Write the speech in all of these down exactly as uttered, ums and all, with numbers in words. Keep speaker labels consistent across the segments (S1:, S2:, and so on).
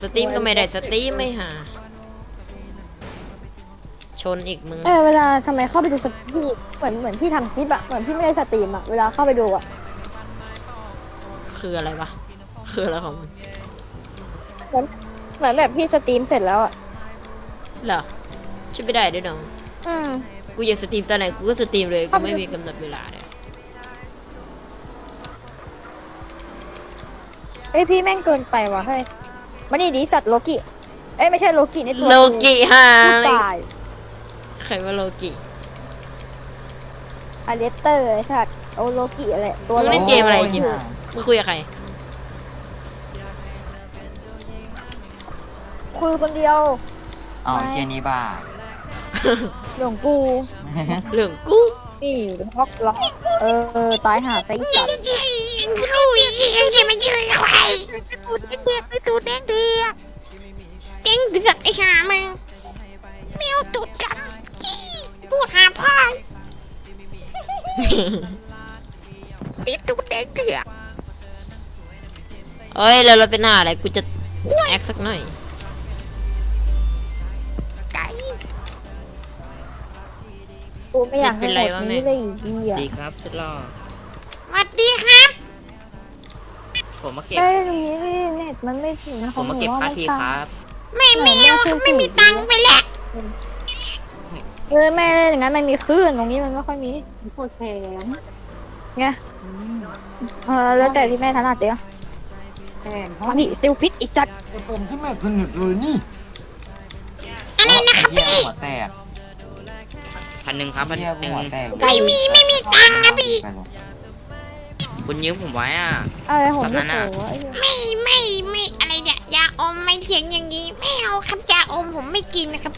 S1: สตรีมก็ไม่ได้สตรีมไม่หาชนอีกมึง
S2: เออเวลาทำไมเข้าไปดูสตรีมเหมือนเหมือนพี่ทำคลิปอะเหมือนพี่ไม่ได้สตรีมอะเวลาเข้าไปดูอะ
S1: คืออะไรวะคืออะไรของมึง
S2: เหมือนเหมือนแบบพี่สตรีมเสร็จแล้วอะ
S1: เหรอช่วยไม่ได้ด้วยน้อง
S2: อืม
S1: กูอยากสตรีมตอนไหนกูก็สตรีมเลยกูไม่มีกำหนดเวลาเลย
S2: เอ้ยพี่แม่งเกินไปว่ะเฮ้ยมานี่ดิสัตว์โลกิเอ้ยไม่ใช่โลกิในตัว
S1: โลกิฮะ
S2: ผู้ตาย
S1: ใครว่าโลกิ
S2: อเลสเตอร์ไอ้สัตว์โอโลกิอะไรตัว
S1: มึงเล่นเกมอะไรจิมมึงคุยกับใคร
S2: คุยคนเดียว
S3: เอาเชี่ยนี้บ้า
S2: หลวงกู
S1: เรื่องกู
S2: นี่ล็อกล็อกเออตายหาไอ้สัตว์
S1: คุยจะมาเจอใครตูดเด็กตูดแดงเดือดแดงเดือดไอ้ห่ามึงแมวตูดดำกี้พูดหาพ่อปิดตูดแดงเดือดเอ้ยแล้วเราเป็นหน้าอะไรกูจะแอคสักหน่อยไก่
S2: กูไม่อยากให้
S1: เป็น
S2: ห
S1: ไร
S2: มด
S1: วะแม่
S2: นี้เลยอีกทีอ่ะ
S4: ดีครับสุดหล่อ
S1: สวัสดีครับ
S4: ผมมาเก็บ
S2: ได้ตรงนี้เน็ตมันไม่ถึงนะ
S4: ผมมาเก็บค่าทีครับ
S1: ไม่มีเขาไม่มีตังค์ไปแล้ว
S2: เออแม่เล่นอย่างนั้นมันมีคลื่นตรงนี้มันไม่ค่อยมีโคตรแพงไงเออแล้วแต่ที่แม่ถนัดเดียวแพงเพราะนี่ซิลฟิตไอสัตว์
S3: ไอผมที่แม่สนุกเลยนี่
S1: อะไรนะครับ
S3: พี่
S1: พี่
S3: หัวแตก
S4: พันหนึ่งครับพัน
S3: เฮีย
S4: ห
S3: กู
S4: นึ่ง
S3: หัวแตก
S1: ไม่มีไม่มีตังค์นะพี่
S3: ไปหรอก
S4: คุณยืมผมไว้อ่ะ
S2: อะไรผม
S4: ตอน
S2: ไม่
S4: นั้น
S2: โผ
S4: อะ
S2: ล่ไอ้เหี้ย
S1: ไม่ไม่ไม่อะไรเนี่ยยาอมไม่เถียงอย่างนี้ไม่เอาครับยาอมผมไม่กินนะครับ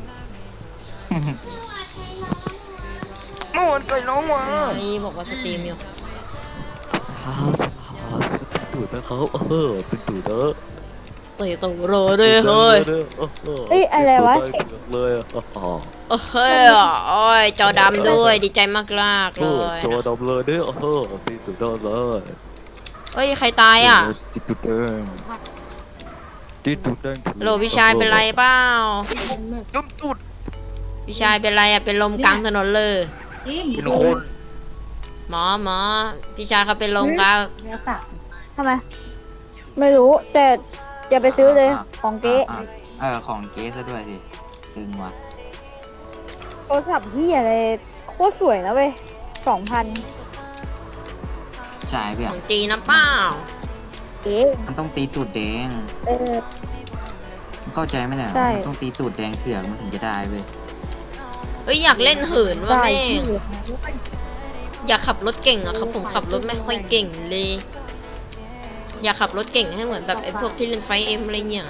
S4: เมื่อวันไปน้องมา
S1: นี่บอกว่าสตรีมอยู่
S5: ฮ่าฮ่าเป็นตูดนะครับเออเป็นตูดเนอะ
S1: เตะตัวโรเลยเฮ้ย
S2: เอ้ยอะไรวะ
S5: เป็นตูดได้เลยอ่ะอ๋อ
S1: เฮ้ยโอ้ยจอดำด้วยดีใจมากมากๆ
S5: โอ้
S1: เลย
S5: จอดำเลยเนี่ยเออเป็นตูดได้เลย
S1: เฮ้ยใครตายอ่ะ
S5: ติดตูดแดงติดตูดแดง
S1: โหลพี่ชายเป็นไรเปล่า
S4: จุ๊บจุด
S1: พี่ชายเป็นไรอ่ะเป็นลมกลางถนนเลย
S4: เป็นคน
S1: หมอหมอพี่ชายเขาเป็นลมครับ
S2: ทำไมไม่รู้แต่อย่าไปซื้อเลยของเก๊
S3: อ่ะเออของเก๊ซะด้วยสิตึงว่ะ
S2: โทรศัพท์ที่อะไรโคตรสวยนะเว้ยสองพัน
S3: ใช่เพื่
S1: ข
S3: อน
S1: องจีนนะเปล่า
S2: เก๊
S3: มันต้องตีตูดแดง
S2: เออ
S3: เข้าใจไหมเนี่ย
S2: ใช่
S3: มันต้องตีตูดแดงเสือกมันถึงจะได้เว้ย
S1: เอ้ยอยากเล่นเหินว่ะ
S2: ได้
S1: แม่
S2: ที่
S1: งอยากขับรถเก่งอะครับผมขับรถไม่ค่อยเก่งเลย อยากขับรถเก่งให้เหมือนแบบไอ้พวกที่เล่นไฟเอ็มอะไรเงี้ย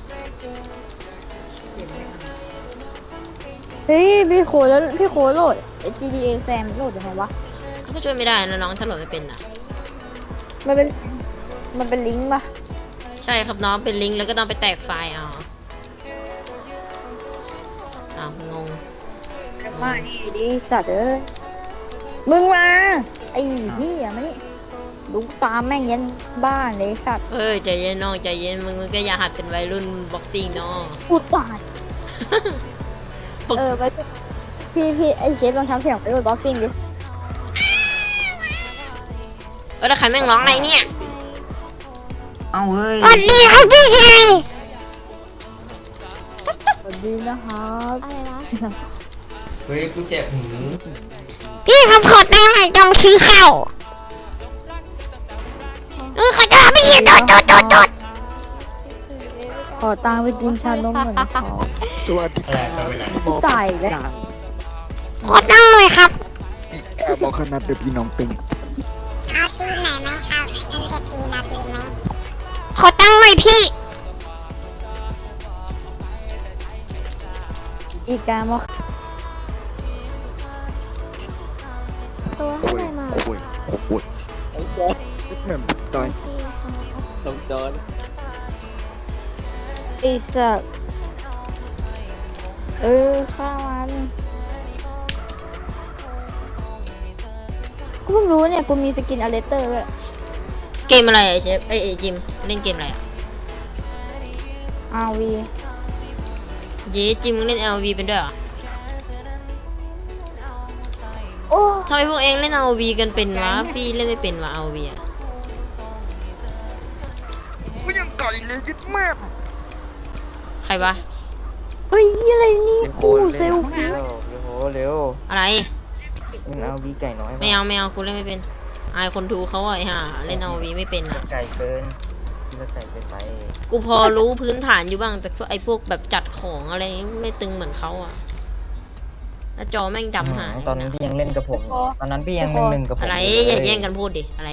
S2: เฮ้ยพี่โคแล้วพี่โคโหลด จี ดี เอ แซมโหลดยังไงวะ
S1: ก็ช่วยไม่ได้นะน้องถ้าโหลดไม่เป็นอะ
S2: มันเป็นมันเป็นลิงก์ปะ
S1: ใช่ครับน้องเป็นลิงก์แล้วก็ต้องไปแตกไฟล์เอาอ้าวงง
S2: มานี่ดิสัตว์เอ้ยมึงมาไอ้พี่อะมานี่ดูตามแม่งยันบ้านเลยสัตว์
S1: เอ้ยใจเย็นน้องใจเย็นมึงมึงก็อย่าหัดเป็นวัยรุ่นบ็อกซิ่งเนาะ
S2: กูตายเออไปพี่พี่ไอ้เชฟลองทำเสียงไปดูบ็อกซิ่งดิ
S1: เออแล้วใครแม่งร้องอะไรเนี่ย
S3: เอ้าเว้ย
S1: สวัสดีครับพี่ชาย
S2: สวัสดีนะครับอะไรนะ
S4: เฮ้ยกูเจ็บหู
S1: พี่ครับขอตังค์หน่อยจำซื้อข้าวเออขอโทษพี่โดดโดดโดดโดด
S2: ขอตังค์ไปกินชานมเหมือนเขา
S5: สวัสดีครับ
S2: กูตายแล้ว
S1: ขอตังค์หน่อยครับ
S5: บอกขนาดเด็กพี่น้องตึง
S6: เอาตีนไหนไหมครับมีแต่ตีนเอาตีนไหม
S1: ขอตังค์หน่อยพี่
S2: อีกามาตัวเท่าไหร่มา
S5: โอ้ยโอ้ยแม่ตาย
S4: ต้องโดน
S2: ไอ้สัตว์เออข้ามันกูเพิ่งรู้เนี่ยกูมีสกินอเลสเตอร์ด้วย
S1: เกมอะไรอะเชฟไอ้ยเอ้ยจิมเล่นเกมอะไรอะ
S2: อาร์ วี
S1: เย้จิมมึงเล่น แอล วี เป็นด้วยเหรอ
S2: โอ้
S1: ทำไมพวกเองเล่น แอล วี กันเป็นวะพี่เล่นไม่เป็นวะ แอล วี อะ
S5: ไม่ยังไก่เลยยึดแม่
S1: ใครวะ
S2: เฮ้ยอะไรนี่กูเซลฟี่
S5: เร็วเร็ว
S1: อะไร
S5: มันเอาวีไก่น้อย
S1: ไม่เอาไม่เอากูเล่นไม่เป็นอายคนดูเขาอะไอ้ห่าเล่น แอล วี ไม่เป็นอะ
S5: ไก่เกินที่ละไก่เกินไป
S1: กูพอรู้พื้นฐานอยู่บ้างแต่พวกไอ้พวกแบบจัดของอะไรไม่ตึงเหมือนเขาอะแล้วจอแม่งดำหาย
S5: ตอนนั้นพี่ยังเล่นกับผมอยู่ตอนนั้นพี่ยังหนึ่งหนึ่งกับผม
S1: อะไรอย่าแย่งกันพูดดิอะไร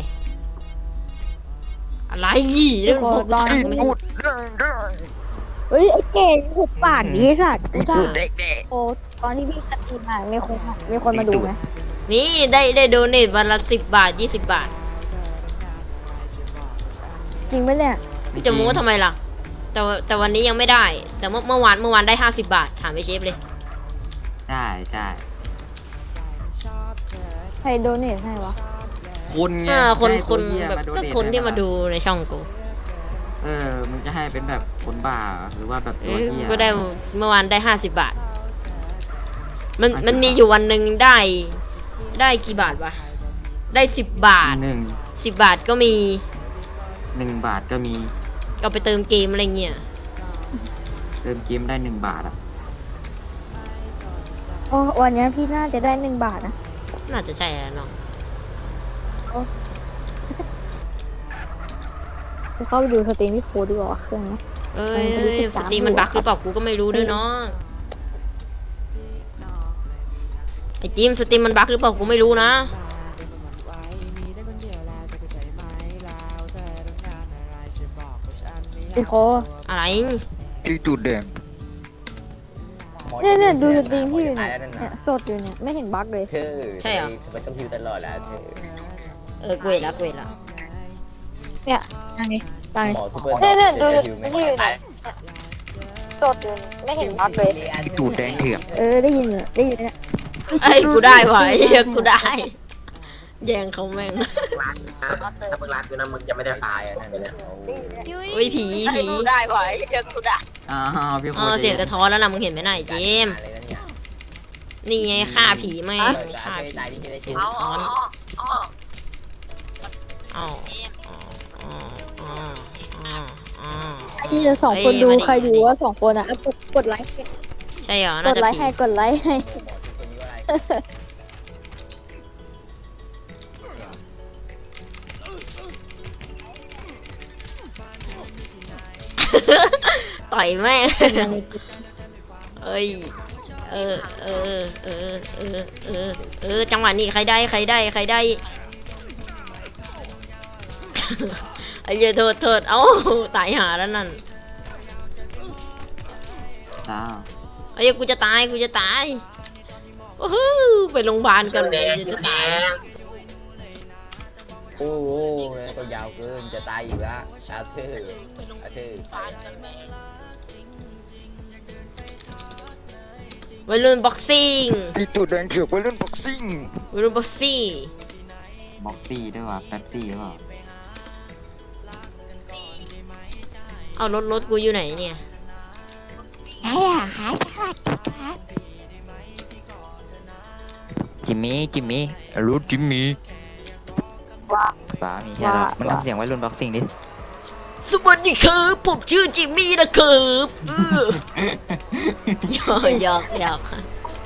S1: อะไรเรื่องพวกกูถามก็ไม่รู้
S2: เฮ้ยไอ้เก่งหุบปากดิสัตว์กูด่า
S5: เด็กเด็ก
S2: โอ้ตอนที่พี่สตรีมมามีคนมีคนมาดูไหม
S1: นี่ได้ได้โดเนทวันละสิบบาทยี่สิบบาท
S2: จริงไหมเนี่ย
S1: พี่จะมูว่าทำไมล่ะ แต่ว่าแต่วันนี้ยังไม่ได้ แต่เมื่อเมื่อวานเมื่อวานได้ห้าสิบบาทถามไอเชฟเลย
S3: ใช่ใช่
S2: ใครโดเนทให้วะ
S3: คนไง
S1: อ่าคน
S3: ให้
S1: คน
S3: ตัวเหี้ย
S1: แบบ
S3: มาโด
S1: ก็
S3: เท
S1: คนที่
S3: ให้
S1: มาดูในช่องกู
S3: เออมึงจะให้เป็นแบบคนบ้าหรือว่าแบบ
S1: เอ
S3: ตัว
S1: อ
S3: เหี้ย
S1: ก็ได้เมื่อวานได้ห้าสิบบาท มัน
S3: ห้าสิบ
S1: มันมีอยู่วันหนึ่งได้ ได้กี่บาทวะได้สิบบาท
S3: หนึ่ง
S1: สิบบาทก็มี
S3: หนึ่งบาทก็มี
S1: ก็ไปเติมเกมอะไรเงี้ย
S3: เติมเกมได้หนึ่งบาทอ่ะ
S2: โอ้วันนี้พี่น่าจะได้หนึ่งบาทนะ
S1: น่าจะใช่แล้วเนาะ
S2: กูเข้าไปดูสตรีมพี่โค้ดดีกว่าว่าเครื่องนะ
S1: เอ้ย
S2: เออ
S1: เอ้ย
S2: สิบ
S1: ส
S2: สาม
S1: ตรีมมันบั๊กหรือเปล่ากูก็ไม่รู้ด้วยเนาะไอจิมสตรีมมันบั๊กหรือเปล่ากูไม่รู้นะ
S2: พี่โค้ด
S1: อะไร
S5: ที่จุดแดง
S2: เนี่ยเนี่ยดูสตรีมพี่อยู่เนี่ยเนี่ยสดอยู่เนี่ยไม่เห็นบั๊กเลย
S4: เธอ
S1: ใช่เหรอ
S4: มันต้องพิวตลอดแล้วเธอ
S1: เออเกวดละเกวดละ
S2: เนี่ยอันนี้ตาย
S4: หมอซูเปอร์
S2: เนี่ยเนี่ยดู
S4: จะ
S2: ดิ
S4: พิวไหม
S2: นี่อยู่เนี่ยสดอยู่ไม่เห็นบั๊กเลย
S5: ที่จุดแดงเถื่อน
S2: เออได้ยินเนี่ยได้ยินเนี่ย
S1: ไอ้ยกูได้ว่ะไอ้เหี้ยกูได้ แย่งเขาแม่ง
S4: ถ้ามึงรักกูนะมึงจะไม่ได้ตายอ่ะนั่นเลย
S1: โอ้ยผีผี
S3: อ้าวพี่โค
S1: เออ
S3: ตร
S1: เสียงกระท้อนแล้วนะมึงเห็นไหมน่ะไอ้เจมส์นี่ไงฆ่าผีแม่งฆ่าผีเสียงกระท้อนอ๋ออ๋ออ๋ออ๋ออ๋อ
S2: พี่จะสองคนดูใครดูว่าสองคนอ่ะกดกดไลค์
S1: ใช่เหรอก น่า
S2: ด
S1: จะ
S2: ไลค์
S1: ผี
S2: ให้กดไลค์ให้
S1: ต่อยแม่งเอ้ยเออเออเออเออเออเออจังหวะนี้ใครได้ใครได้ใครได้ ไอ้เหี้ยโทษโทษเอ้าตายหาแล้วนั่น
S3: จ้า
S1: ไอ้เหี้ยกูจะตายกูจะตายโอ้โหไปโรงพยาบาลกันเลยจะตาย
S4: โอ้โหตัวยาวเกินจะตายอยู่แล้วอาเธอร์อาเธอร์
S1: วัยรุ่นบ็อกซิ่ง
S5: ที่จุดแดงเถื่อนไปเล่นบ็อกซิ่ง
S1: วัยรุ่นบ็อกซิ่ง
S3: บ็อกซี่ด้วยว่ะแป๊บซี่หรือเปล่า
S1: เอารถรถกูอยู่ไหนเนี่ย
S6: ใช่เหรอคะสวัสดีครับ
S5: จิมมี่จิมมี่รู้จิมมี่ป้ามีแค่นั้นมันทำเสียงไว้รุ่นบ็อกซิ่งดิ
S1: สวัสดีครับผมชื่อจิมมี่นะครับเออหยอกหยอกหยอกค่ะ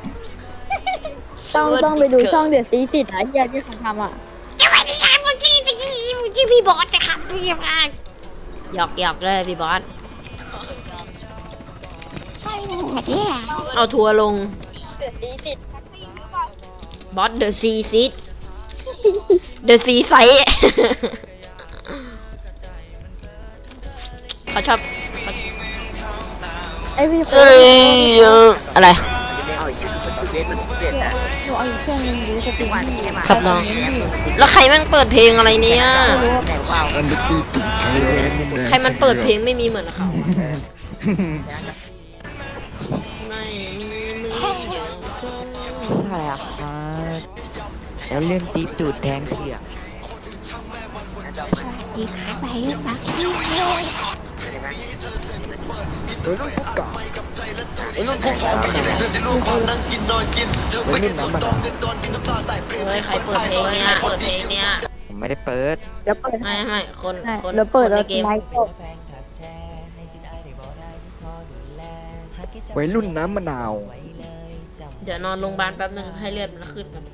S2: ต้องต้องไปดูช่องเดือดซีสิทธิ์นะที่ที่เขาทำอ่ะ
S1: สวัสดีครับผมชื่อผมชื่อพี่บอสนะครับพี่บอสหยอกหยอกเลยพี่บอส
S6: ใช่เลยเนี่ย
S1: เอาทัวร์ลง
S2: เดือดซีสิทธิ์
S1: บอสเดอะซีซิตเดอะซีไซเขาชอบเขา
S2: ไอพี่โค้
S1: เอ้
S2: ด
S1: ยอะไร
S2: หนูเอาอีกเครื่องนึงดูสตรีมพี่
S1: ครับน้อง แล้วใครแม่งเปิดเพลงอะไรเนี่ย
S5: อันดับที่จุดแดง
S1: ใครมันเปิดเพลงไม่มีเหมือนเขาไม่มีมืออย่างเขา
S5: ใช่อ่ะครับแล้วเล่นตีตูดแดงเถื่อน
S6: สวัสดีครับไปเรื่องบักซี่
S5: วัยรุ่นพวกกาวัยรุ่นพวกกาวัยรุ่นน้ำมันาว
S1: เฮ้ยใครเปิดเพลงเนี่ยเปิดเพลงเนี่ย
S5: ผมไม่ได้เปิด
S2: เดี๋ยวเปิด
S1: ไม่ไม่คน
S2: ให้
S1: คน
S2: เดี๋ยวเปิด
S1: คน
S2: แล้ว
S1: ในเกม
S2: ไลฟ์ก็
S5: วัยรุ่นน้ำมะนาว
S1: เดี๋ยวนอนโรงพยาบาลแป๊บนึงให้เลือดมันขึ้นก่อน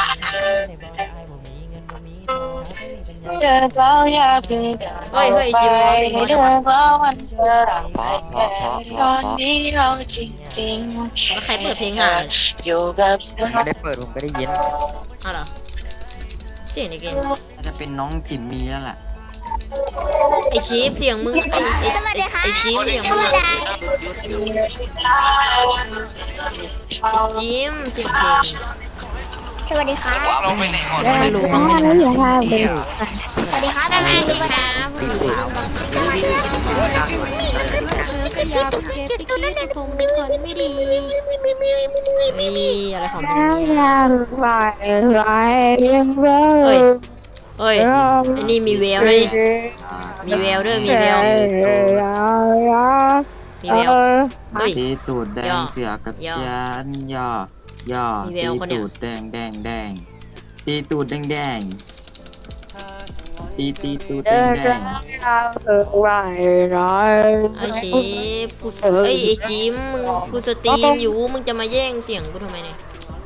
S2: เจอเราอยากเป็น
S1: เฮ้ยเฮ้ยจิมมาเป็นหัวจังวะ
S5: พอพอพอพอพอ
S2: นี้เราจริง
S1: แล้วใครเปิดเพลงหา
S2: ๆอยู่กับ
S5: ผมไม่ได้เปิดผมไม่ได้ยิน
S1: อ้าวเหรอเสียงในเกม
S3: น่าจะเป็นน้องจิมมี่แล้วแหละ
S1: ไอชีฟเสียงมึงไอไอไอไอจิมเสียงมึงอะไอจิมเสียงเพลง
S2: สวัสดีค่ะ
S1: ไม่รู้บ้างไหม
S2: ไม่
S1: เนี่ย
S2: รู้ค่ะเป็น
S1: สวัสดีครับสวัสดีครับผู้สาวเธอก็อยากเก็บไปคิดว่าผมเป็นคนไม่ดีมีอะไรของมึง
S2: แล้ว
S1: เนี่ย
S2: ยังไหวไหวยังไหว
S1: เฮ้ย เฮ้ยไอ้นี่มีแววเลยมีแววด้วยมีแววมีแววเฮ้ย
S3: ตีตูดแด
S1: ย่
S3: ง
S1: อ
S3: เสือกับ
S1: ย่อ
S3: ฉันย่อย่อ
S1: มีแว
S3: ตี
S1: วคนเนี่ย
S3: ตูดแดงแดงแดงตีตูดแดงแดงตีตีตูดแดงแดง
S2: ไหวไหว
S1: ไอเชฟกูสเอ้ยไอจิมมึงกูสตรีมอยู่มึงจะมาแย่งเสียงกูทำไมเนี่ย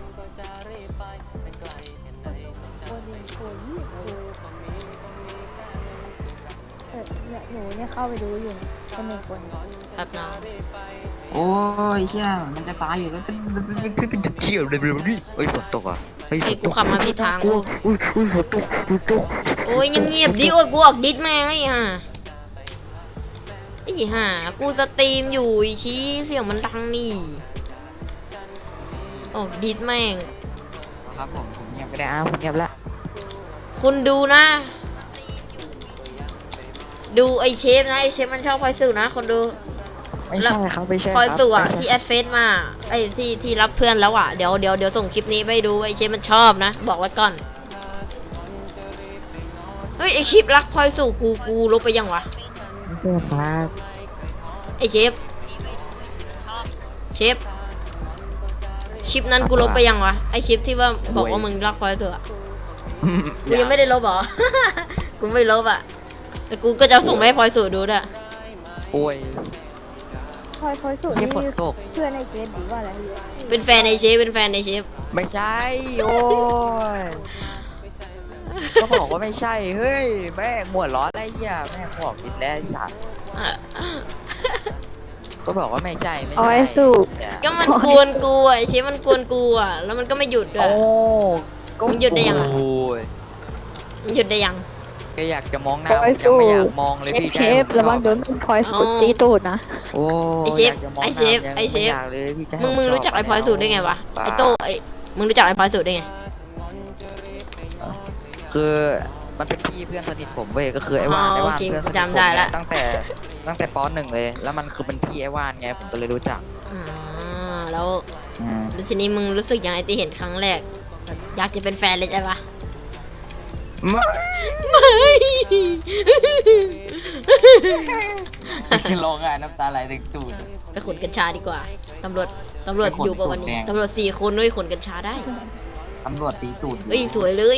S2: หนูเนี่ยเข้าไปดูอยู่คนหนึ่งคน
S1: แป๊บนะ
S3: โอ้ยเชี่ยมันจะตายอยู่แล้ว
S5: เที่ยวเลยเลยเฮ้ยฝนตกอ่ะเฮ้ย
S1: ไอ้กูขับมาผิดทางกู
S5: อุ้ยอุ้ยฝนตกฝนตก
S1: โอ้ยเงียบๆดิโอ้ยกูออกดิสแม่งไอ้ห่าไอ้ห่ากูสตรีมอยู่ไอ้ชี้เสียงมันดังนี่ออกดิสแม่ง
S5: ครับผมผมเงียบก็ได้อ้าวผมเงียบละ
S1: คุณดูนะ ดูไอเชฟนะไอเชฟมันชอบพลอยสื่อนะคนดู
S5: ไม่ใช่ครับไม่ใช่
S1: พลอย
S5: ครับ
S1: สื่ออะ
S5: ไม่ใช่
S1: ที่แอดเฟซมาไอที่ที่รับเพื่อนแล้วอะเดี๋ยวเดี๋ยวเดี๋ยวส่งคลิปนี้ไปดูไอเชฟมันชอบนะบอกไว้ก่อนเฮ้ยไอคลิปรักพลอยสู่กูกูลบไปยังวะ
S5: ไม่ใช่ครับ
S1: ไอเชฟเชฟคลิปนั้นกูลบไปยังวะไอคลิปที่ว่าบอกว่ามึงรักพลอยสู่อะกูยังไม่ได้ลบเหรอ กูไม่ลบอะแต่กูก็จะส่งไปให้พลอยสู่ดูด้วย
S5: โอ้ย
S2: พลอยพลอยสุด
S5: เที่
S2: นี่
S5: ฝนตก
S2: เพื่อนในเฟซหรือว่าอะไร
S1: เป็นแฟนในเชฟเป็นแฟนในเชฟ
S5: ไม่ใช่โอ้ยก็บอกว่าไม่ใช่เฮ้ยแม่งหัวร้อนอะไรเหี้ยแม่งบอกกินแล้วไอ้สัสก็บอกว่าไม่ใช่ไม่
S2: เอา
S5: ใช่
S2: ไว้สู้
S1: ก็มันกวนกูอ่ะไอ้เชฟมันกวนกูอ่ะแล้วมันก็ไม่หยุดด้ว
S5: โอ้
S1: ย
S5: ก็
S1: มึงหยุดได้ยังอะ
S5: โอ้ย
S1: มันหยุดได้ยัง
S5: ก็อยากจะมองหน้า
S2: เอา
S5: ผ
S2: ไว้
S5: มยังไม่อยาก
S2: สู้
S5: มองเลย
S2: เชฟ
S5: พี่
S2: เชฟระวังโดนพลอยสุดตีตูดนะ
S5: โอ้
S1: ไอเชฟ
S5: ยากจะมง
S1: ไอเชฟ
S5: หน้า
S1: ไอเชฟ
S5: ยังม่ยากเลยพี่จะให้
S1: มึงมึง
S5: ผ
S1: รู้จักไอพลอยสูตรได้ไงวะไอโต้ไอมึงรู้จักไอพลอยสูตรได้ไง
S5: คือมันเป็นพี่เพื่อนสนิทผมเว้ยก็คือไอ้วาน
S1: อ๋อ
S5: ไอ้วาน
S1: โอเค
S5: เพื่อนสนิทผม
S1: จำได้ละ
S5: ตั้งแต่ตั้งแต่ปหนึ่งเลย แล้วมันคือเป็นพี่ไอ้วานไงผมก็เลยรู้จัก
S1: อ่าแล้ว
S5: อืม
S1: แล้วทีนี้มึงรู้สึกยังไงที่เห็นครั้งแรกแบบอยากจะเป็นแฟนเลยใช่ปะ
S5: ไม่
S1: ไม่
S3: ร้องไห้น้ำตาไหลถึงตูด
S1: ไปขนกัญชาดีกว่าตำรวจตำรวจ
S3: ไปขน
S1: อยู่ปะวันนี้
S3: ตูดแดง
S1: ตำรวจสี่คนด้วยขนกัญชาได้
S3: ตำรวจตีตูด
S1: เอ้ยสวยเลย